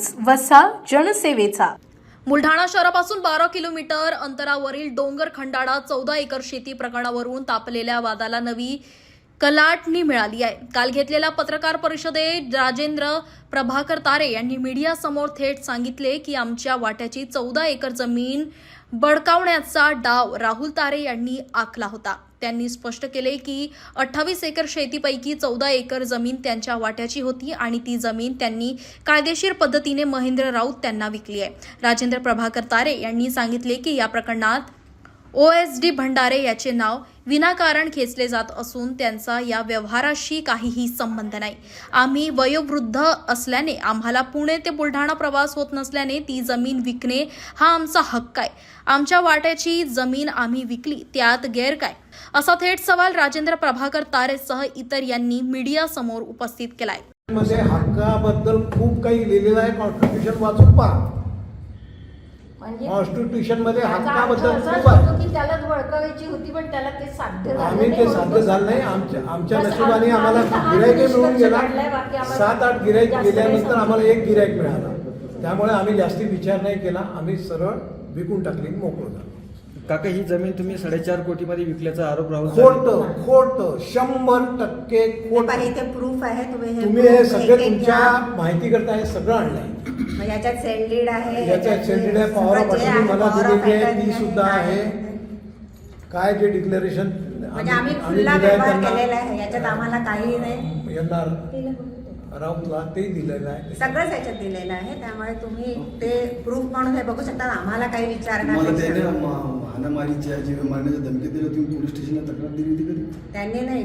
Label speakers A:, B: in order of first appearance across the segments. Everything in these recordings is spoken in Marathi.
A: वसा जनसेवेचा।
B: बुलढाणा शहरापासून 12 किलोमीटर अंतरावरील डोंगर खंडाळा 14 एकर शेती प्रकरणावरून तापलेल्या वादाला नवी कलाटणी मिळाली आहे। काल घेतलेल्या पत्रकार परिषदेत राजेंद्र प्रभाकर तारे यांनी मीडियासमोर थेट सांगितले की आमच्या वाट्याची 14 एकर जमीन बळकावण्याचा डाव राहुल तारे यांनी आखला होता। त्यांनी स्पष्ट केले की 28 एकर शेतीपैकी 14 एकर जमीन त्यांच्या वाट्याची होती आणि ती जमीन त्यांनी कायदेशीर पद्धतीने महेंद्र राऊत त्यांना विकली आहे। राजेंद्र प्रभाकर तारे यांनी सांगितले की या प्रकरणात OSD भंडारे याचे नाव विनाकारण खेचले जात असून त्यांचा या व्यवहाराशी काहीही संबंध नाही। आम्ही वयोवृद्ध असल्याने आम्हाला पुणे ते बुलढाणा प्रवास होत नसल्याने ती जमीन विकणे हा आमचा हक्क आहे। आमच्या वाट्याची जमीन आम्ही विकली, त्यात गैर काय, असा थेट सवाल राजेंद्र प्रभाकर तारेसह इतर यांनी मीडियासमोर उपस्थित केलाय।
C: मध्ये हक्काबद्दल खूप काही लिहिलेलं आहे, कॉन्स्टिट्यूशन वाचून पहा। कॉन्स्टिट्यूशन मध्ये हक्काबद्दल खूप आहे
D: की त्यालाच वळकावायची होती, पण त्याला ते साध्य झालं
C: आम्ही ते साध्य झालं नाही। आमच्या नशिबाने आम्हाला गिराईक मिळून गेला। 7-8 गिराईक गेल्यानंतर आम्हाला एक गिराईक मिळाला, त्यामुळे आम्ही जास्ती विचार नाही केला, आम्ही सरळ विकून टाकली, मोकळं झालो।
E: काका, ही जमीन तुम्ही 4.5 कोटीमध्ये विकल्याचा आरोप राहुल
C: खोट 100% खोट।
D: इथे प्रूफ आहे,
C: तुम्ही हे सगळे तुमच्या माहिती करता हे सगळं आणलंय।
D: याच्यात सेंडीड आहे,
C: याच्यात सेंडीड आहे, पॉवर ऑफ अटर्नी मला दिलेली आहे, ती सुद्धा आहे। काय जे डिक्लेरेशन
D: म्हणजे आम्ही खुला व्यवहार केलेला आहे, याच्यात आम्हाला काही नाही
C: येणार राऊतला ते दिलेलं आहे,
D: सगळंच याच्यात दिलेलं आहे। त्यामुळे तुम्ही ते प्रूफ म्हणून हे बघू शकता, आम्हाला काही विचारणार
F: हाणामारीच्या जीव मारण्याच्या धमकी दिली, तुम्ही पोलीस स्टेशनला तक्रार दिली होती कधी?
D: त्यांनी नाही,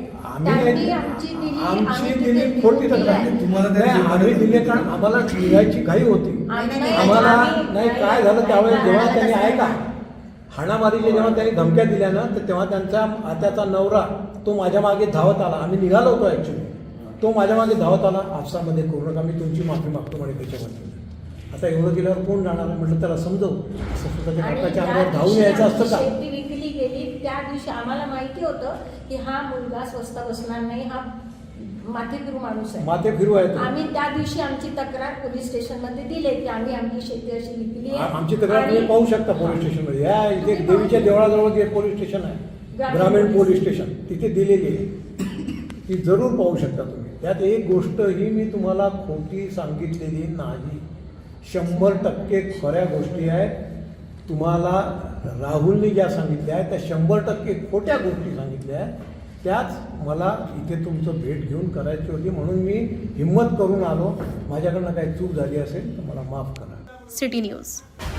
C: आमची दिली खोटी तक्रार तुम्हाला आम्ही दिली, कारण आम्हाला निघायची घाई होती। आम्हाला नाही काय झालं त्यावेळेस जेव्हा त्यांनी आहे का हाणामारीचे जेव्हा त्यांनी धमक्या दिल्या ना, तर तेव्हा त्यांचा आत्याचा नवरा तो माझ्या मागे धावत आला। आम्ही निघालो होतो ऍक्च्युली, तो माझ्या मागे धावत आला, आपसामध्ये करू नका, मी तुमची माफी मागतो म्हणे त्याच्याबद्दल। आता एवढं केल्यावर कोण जाणार म्हटलं, त्याला समजव, असं स्वतःच्या हक्काच्या अंगावर धावून यायचं असतं का?
G: शेती विकली गेली त्या दिवशी आम्हाला माहिती होतं की हा मुलगा स्वस्त बसणार नाही, हा माथे फिरू माणूस आहे,
C: माथे फिरू आहे।
G: आम्ही त्या दिवशी आमची तक्रार पोलीस स्टेशन मध्ये दिली की आम्ही आमची शेती अशी विकली आहे।
C: आमची तक्रार तुम्ही पाहू शकता पोलीस स्टेशन मध्ये, या इथे देवीच्या देवळाजवळ जे पोलीस स्टेशन आहे, ग्रामीण पोलीस स्टेशन, तिथे दिलेली आहे, ती जरूर पाहू शकता तुम्ही। त्यात एक गोष्ट ही मी तुम्हाला खोटी सांगितलेली नाही, 100% खऱ्या गोष्टी आहेत। तुम्हाला राहुलने ज्या सांगितल्या आहेत त्या 100% खोट्या गोष्टी सांगितल्या आहेत। त्याच मला इथे तुमचं भेट घेऊन करायची होती, म्हणून मी हिम्मत करून आलो। माझ्याकडनं काही चूक झाली असेल तर मला माफ करा।
B: City news.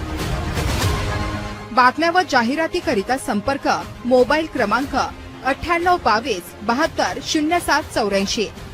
H: बातम्या व जाहिरातीकरिता संपर्क मोबाईल क्रमांक 9822 72 0784।